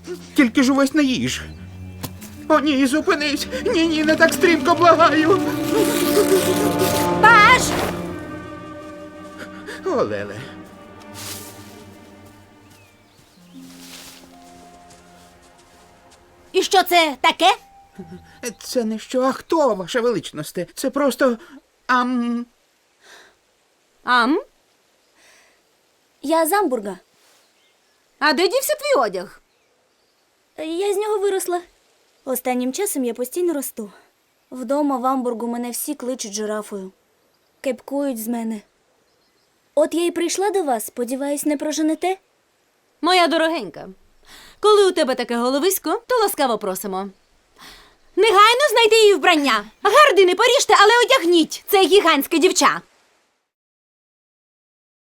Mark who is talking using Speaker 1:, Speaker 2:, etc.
Speaker 1: Тільки ж увесь не їж. О, ні, зупинись! Ні, не так стрімко, благаю!
Speaker 2: Паш!
Speaker 1: О, Леле.
Speaker 2: І що це таке?
Speaker 1: Це не що, а хто, ваша величносте? Це просто...
Speaker 2: Ам?
Speaker 3: Я з Амбурга.
Speaker 2: А де дівся твій одяг?
Speaker 3: Я з нього виросла. Останнім часом я постійно росту. Вдома в Амбургу мене всі кличуть жирафою. Кепкують з мене. От я й прийшла до вас, сподіваюсь, не проженете?
Speaker 2: Моя дорогенька, коли у тебе таке головисько, то ласкаво просимо. Негайно знайди її вбрання. Гардини поріжте, але одягніть. Це гігантське дівча.